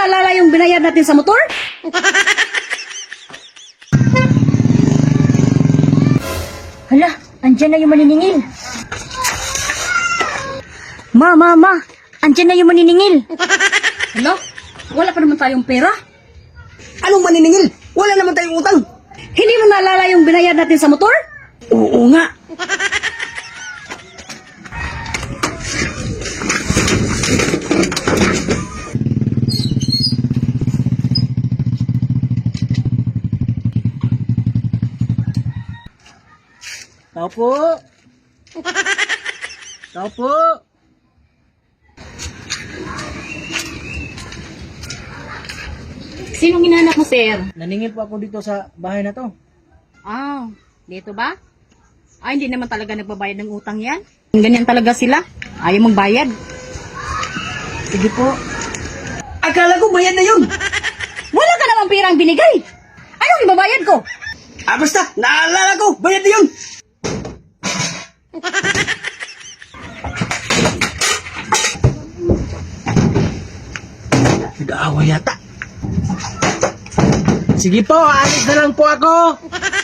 naalala yung binayad natin sa motor? Hala, andyan na yung maniningil. Ma, Andyan na yung maniningil. Hello? Wala pa naman tayong pera. Anong maniningil? Wala naman tayong utang. Hindi mo naalala yung binayad natin sa motor? Oo nga. Tao po. Tao po. Sinong hinahanap mo, sir? Naningil po ako dito sa bahay na to. Ah, dito ba? Ay, hindi naman talaga nagbabayad ng utang yan. Ganyan talaga sila. Ayaw magbayad. Sige po. Akala ko bayad na yun. Wala ka namang pirang binigay. Anong ibabayad ko? Basta, naalala ko, bayad na yun. Nag-aawa yata. Sige po, alis na lang po ako.